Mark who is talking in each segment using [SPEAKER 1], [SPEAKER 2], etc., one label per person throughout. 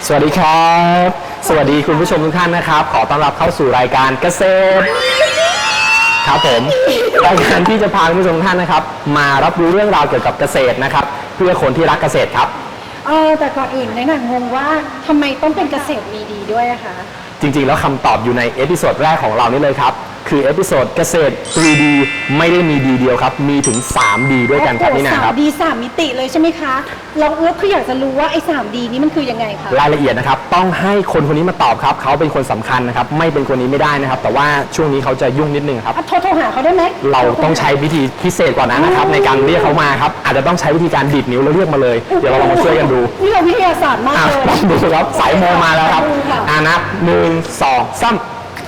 [SPEAKER 1] สวัสดีครับ สวัสดีคุณผู้ชมทุกท่านนะครับขอต้อนรับเข้าสู่รายการเกษตรครับผมรายการที่จะพาคุณผู้ชมทุกท่านนะครับมารับรู้เรื่องราวเกี่ยวกับเกษตรนะครับเพื่อคนที่รักเกษตรครับ
[SPEAKER 2] แต่ก่อนอื่นในหนังงงว่าทำไมต้องเป็นเกษตรมีดีด้วยอะคะ
[SPEAKER 1] จริงๆแล้วคำตอบอยู่ในเอพิโซดแรกของเรานี่เลยครับคือเอพิโซดเกษตร 3D ไม่ได้มีดีเดียวครับมีถึง 3D ด้วยกันครับนี่นะครับ
[SPEAKER 2] 3D 3 มิติเลยใช่ไหมคะเราคืออยากจะรู้ว่าไอ้ 3D นี้มันคือยังไงคะ
[SPEAKER 1] รายละเอียดนะครับต้องให้คนคนนี้มาตอบครับเขาเป็นคนสำคัญนะครับไม่เป็นคนนี้ไม่ได้นะครับแต่ว่าช่วงนี้เขาจะยุ่งนิดนึงครับ
[SPEAKER 2] โทรหาเขาได้ไหม
[SPEAKER 1] เราต้องใช้วิธีพิเศษกว่านั้นนะครับในการเรียกเขามาครับอาจจะต้องใช้วิธีการดีดนิ้วแล้วเรียกมาเลยเดี๋ยวเราลองมาช่วยกันดู
[SPEAKER 2] นี่เราวิทยาศาสตร์มากเลย
[SPEAKER 1] ดูครับสายโมมาแล้วครับนับ1 2 3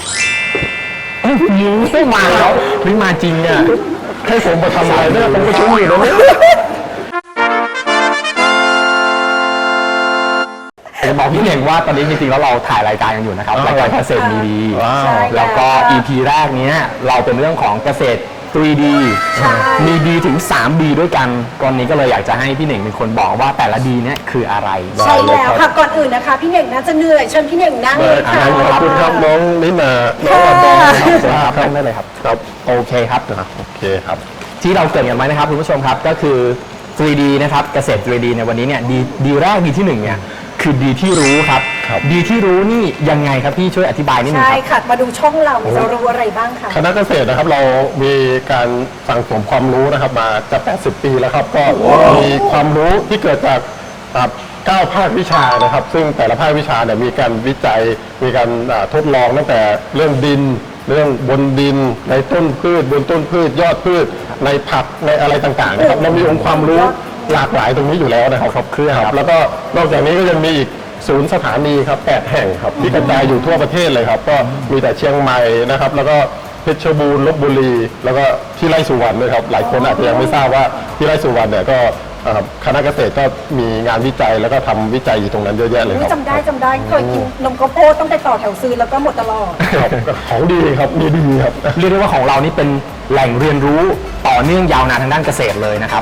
[SPEAKER 1] ยิ้มไม่มาแล้วไม่มาจริงเนี่ยให้ผมมาทำอะไรเนี่ยผมก็ชุ่มอยู่แล้วจะบอกพี่เน่งว่าตอนนี้จริงๆแล้วเราถ่ายรายการกันอยู่นะครับรายการเกษตรมีดีแล้วก็ EP แรกนี้เราเป็นเรื่องของเกษตร 3D มีดีถึง 3D ด้วยกันก่อนนี้ก็เลยอยากจะให้พี่เน่งเป็นคนบอกว่าแต่ละดีเนี่ยคืออะไร
[SPEAKER 2] ใช่แล้วค่ะก่อนอื่นนะคะพี่เน่งน่าจะเหนื่อยเชิญพี่เน่งนั่งเลยค่ะ
[SPEAKER 3] ขอบคุณครับน้องนิมาน้อง
[SPEAKER 1] อครับนั่งได้เลยครับ
[SPEAKER 3] ครับ
[SPEAKER 1] โอเคครับ
[SPEAKER 3] โอเคครับ
[SPEAKER 1] ที่เราเกิดกันไว้นะครับคุณผู้ชมครับก็คือ 3D นะครับเกษตร 3D ในวันนี้เนี่ยดีแรกดีที่1เนี่ยคือดีที่รู้ครับดีที่รู้นี่ยังไงครับพี่ช่วยอธิบายนิดนึงครับ
[SPEAKER 2] ใช่ค่ะมาดูช่องเราจะรู้อะไรบ้างคะ
[SPEAKER 3] คณะเกษตรนะครับเรามีการสั่งสมความรู้นะครับมาจะ80 ปีแล้วครับก็มีความรู้ที่เกิดจาก9 ภาควิชานะครับซึ่งแต่ละภาควิชาเนี่ยมีการวิจัยมีการทดลองตั้งแต่เรื่องดินเรื่องบนดินในต้นพืชบนต้นพืชยอดพืชในผักในอะไรต่างๆนะครับเรามีองค์ความรู้หลากหลายตรงนี้อยู่แล้วนะครับครบเครื่องครับแล้วก็นอกจากนี้ก็ยังมีอีกศูนย์สถานีครับ8 แห่งครับที่กระจายอยู่ทั่วประเทศเลยครับก็มีแต่เชียงใหม่นะครับแล้วก็เพชรบูรณ์ลพบุรีแล้วก็ที่ไร่สุวรรณด้วยครับหลายคนอาจจะยังไม่ทราบว่าที่ไร่สุวรรณเนี่ยก็คณะเกษตรก็มีงานวิจัยแล้วก็ทำวิจัยอยู่ตรงนั้นเยอะแยะเลยครับ
[SPEAKER 2] จำได้เคยกินนมข้าวโพดต้องไปต่อแถวซื้อแล้วก็หมดตลอด
[SPEAKER 3] ของดีครับมีดีครับ
[SPEAKER 1] เรียกได้ว่าของเรานี่เป็นแหล่งเรียนรู้ต่อเนื่องยาวนานทางด้านเกษตรเลยนะครับ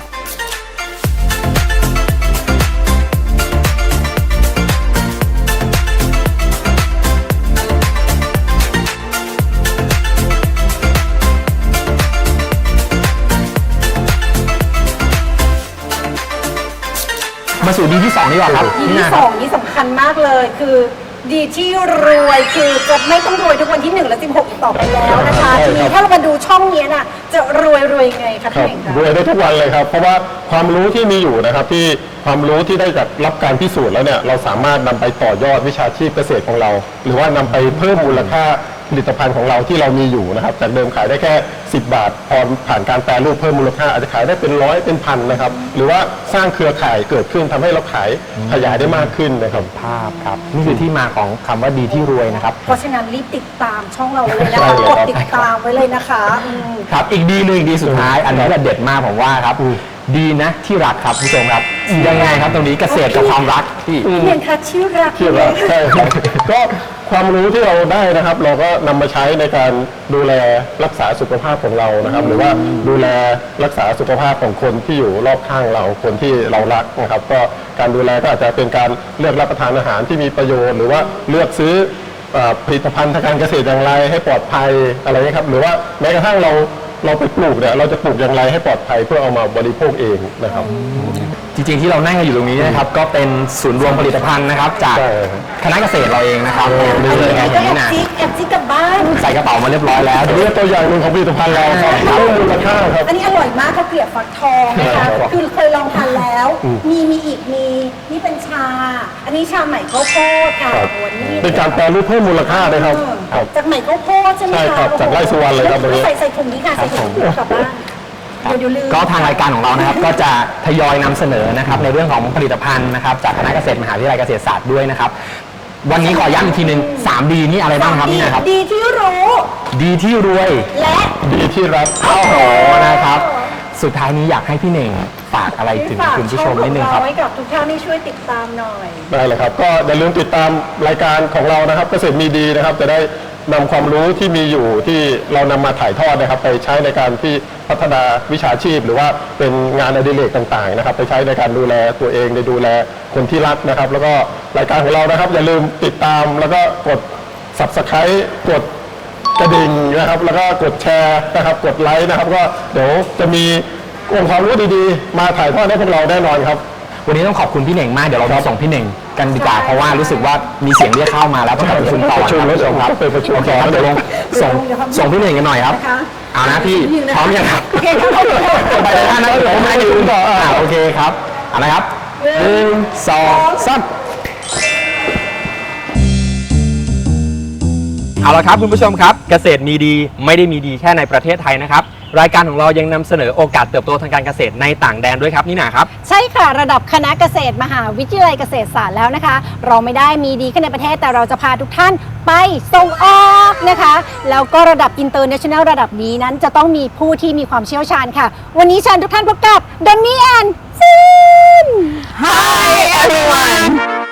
[SPEAKER 1] มาสู่ดีที่2ดีกว่าครับ
[SPEAKER 2] ดีที่2นี่สำคัญมากเลยคือดีที่รวยคือจะไม่ต้องรวยทุกวันที่1และ16อีกต่อไปแล้วนะคะทีนี้ถ้าเรามาดูช่องนี้น่ะจะรวยไงคะพี่เองคะ
[SPEAKER 3] รวยได้ทุกวันเลยครับเพราะว่าความรู้ที่มีอยู่นะครับที่ความรู้ที่ได้จากรับการพิสูจน์แล้วเนี่ยเราสามารถนำไปต่อยอดวิชาชีพเกษตรของเราหรือว่านำไปเพิ่มมูลค่าผลิตภัณฑ์ของเราที่เรามีอยู่นะครับจากเดิมขายได้แค่10 บาทพอผ่านการแปรรูปเพิ่มมูลค่าอาจจะขายได้เป็นร้อยเป็นพันนะครับหรือว่าสร้างเครือข่ายเกิดขึ้นทำให้เราขายขยายได้มากขึ้นนะครับ
[SPEAKER 1] ภาพครับนี่คือที่มาของคำว่าดีที่รวยนะครับ
[SPEAKER 2] เพราะฉะนั้นรีบติดตามช่องเราเลยนะคะกดติดตามไว้เลยนะคะ
[SPEAKER 1] ครับอีกดีหนึ่งดีสุดท้ายอันนี้แหละเด็ดมากผมว่าครับดีนะที่รักครับผู้ชมครับยังไงครับตรงนี้เกษตรกับความรักที่
[SPEAKER 2] เพียงค่ะชื่อรัก
[SPEAKER 3] ใช่ครับก็ความรู้ที่เราได้นะครับเราก็นำมาใช้ในการดูแลรักษาสุขภาพของเรานะครับหรือว่าดูแลรักษาสุขภาพของคนที่อยู่รอบข้างเราคนที่เรารักนะครับก็การดูแลก็อาจจะเป็นการเลือกรับประทานอาหารที่มีประโยชน์หรือว่าเลือกซื้อผลิตภัณฑ์ทางการเกษตรอย่างไรให้ปลอดภัยอะไรนี้ครับหรือว่าแม้กระทั่งเราไปปลูกเนี่ยเราจะปลูกอย่างไรให้ปลอดภัยเพื่อเอามาบริโภคเองนะครับ
[SPEAKER 1] จริงๆที่เรานั่งกันอยู่ตรงนี้นะครับก็เป็นศูนย์รวมผลิตภัณฑ์นะครับจากคณะเกษตรเราเองนะครับ
[SPEAKER 2] นี่เลยไงอย่างนี้นะแอบจิ๊กกลับบ้าน
[SPEAKER 1] ใส่กระเป๋ามาเรียบร้อยแล้ว
[SPEAKER 3] เรื่องตัวอย่างหนึ่งของผลิตภัณฑ์เราครับมูลค่าครับ
[SPEAKER 2] อันนี้อร่อยมากข้าวเกลียบฟักทองนะคะคือเคยลองทานแล้วมีอีกนี่เป็นชาอันนี้ชาใหม่ข้าวโพดค่ะวันนี้
[SPEAKER 3] เป็นการแปรรูปเพิ่มมูลค่าเลยครับ
[SPEAKER 2] จากใหม่ข้าวโพดใช่ไหมคะ
[SPEAKER 3] ใช่ครับจากไร่สุวรรณเลยครับ
[SPEAKER 2] ใส่ถุงนี้ค่ะใส่ถุงกลับบ้าน
[SPEAKER 1] ก็ทางรายการของเรานะครับก็จะทยอยนำเสนอนะครับในเรื่องของผลิตภัณฑ์นะครับจากคณะเกษตรมหาวิทยาลัยเกษตรศาสตร์ด้วยนะครับวันนี้ขอย้ำอีกทีนึง 3D นี่อะไรบ้างครับนี่นะครับ
[SPEAKER 2] ดีที่รู้
[SPEAKER 1] ดีที่รวย
[SPEAKER 2] และ
[SPEAKER 3] ดีที่รัก
[SPEAKER 1] โอ้โหนะครับสุดท้ายนี้อยากให้พี่เน่งฝากอะไรถึงคุณผู้ชมนิดนึงครับ
[SPEAKER 2] ไว้กับทุกท่านที่ช่วยติดตามหน่อย
[SPEAKER 3] ได้เลยครับก็อย่าลืมติดตามรายการของเรานะครับเกษตรมีดีนะครับจะได้นำความรู้ที่มีอยู่ที่เรานำมาถ่ายทอดนะครับไปใช้ในการที่พัฒนาวิชาชีพ หรือว่าเป็นงานอดิเรกต่างๆนะครับไปใช้ในการดูแลตัวเองในดูแลคนที่รักนะครับ แล้วก็รายการของเรานะครับอย่าลืมติดตามแล้วก็กด Subscribe กดกระดิ่งนะครับแล้วก็กดแชร์นะครับกดไลค์นะครับก็เดี๋ยวจะมีองค์ความรู้ดีๆมาถ่ายทอดให้พวกเราแน่นอนครับ
[SPEAKER 1] วันนี้ต้องขอบคุณพี่เหน่งมากเดี๋ยวเราไปส่งพี่เหน่งกันดีกว่าเพราะว่ารู้สึกว่ามีเสียงเรียกเข้ามาแล้วต้องไปประชุมต่อ
[SPEAKER 3] ประชุมแล้วครับไปประชุม
[SPEAKER 1] โอเค
[SPEAKER 3] ต่อ
[SPEAKER 1] ครับเดี๋ยวลงส่งพี่เหน่งกันหน่อยครับ
[SPEAKER 2] นะคะ
[SPEAKER 1] เอานะพี่พร้อมยังครับ
[SPEAKER 2] โอเคครับ
[SPEAKER 1] ไปเลยท่านนะเดี๋ยวผมให้ยืนต่อโอเคครับเอาละครับ1 2 3เอาละครับคุณผู้ชมครับเกษตรมีดีไม่ได้มีดีแค่ในประเทศไทยนะครับรายการของเรายังนำเสนอโอกาสเติบโตทางการเกษตรในต่างแดนด้วยครับนี่นะครับ
[SPEAKER 2] ใช่ค่ะระดับคณะเกษตรมหาวิทยาลัยเกษตรศาสตร์แล้วนะคะ เราไม่ได้มีดีแค่ในประเทศแต่เราจะพาทุกท่านไปส่งออกนะคะ แล้วก็ระดับอินเตอร์เนชั่นแนลระดับนี้นั้นจะต้องมีผู้ที่มีความเชี่ยวชาญค่ะ วันนี้เชิญทุกท่านพบกับดอนนี่แอนซิน
[SPEAKER 4] Hi everyone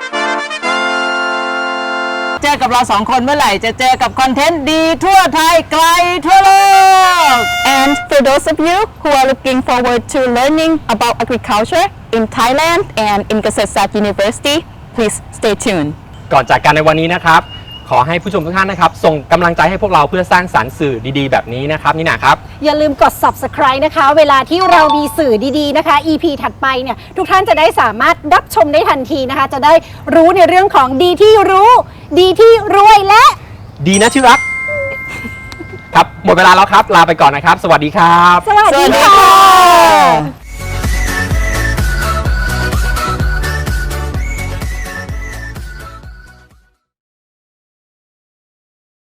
[SPEAKER 4] เจอกับเรา2 คนเมื่อไหร่จะเจอกับคอนเทนต์ดีทั่วไทยไกลทั่วโลก
[SPEAKER 5] And for those of you who are looking forward to learning about agriculture in Thailand and in Kasetsat University, please stay tuned.
[SPEAKER 1] ก่อนจากกันในวันนี้นะครับขอให้ผู้ชมทุกท่านนะครับส่งกำลังใจให้พวกเราเพื่อสร้างสรรค์สื่อดีๆแบบนี้นะครับนี่นะครับ
[SPEAKER 2] อย่าลืมกด subscribe นะคะ เวลาที่เรามีสื่อดีๆนะคะ EP ถัดไปเนี่ยทุกท่านจะได้สามารถรับชมได้ทันทีนะคะ จะได้รู้ในเรื่องของดีที่รู้ ดีที่รวยและ
[SPEAKER 1] ดีนะที่รัก ครับหมดเวลาแล้วครับลาไปก่อนนะครับ สวัสดีครับ
[SPEAKER 2] สวัสดีค่ะ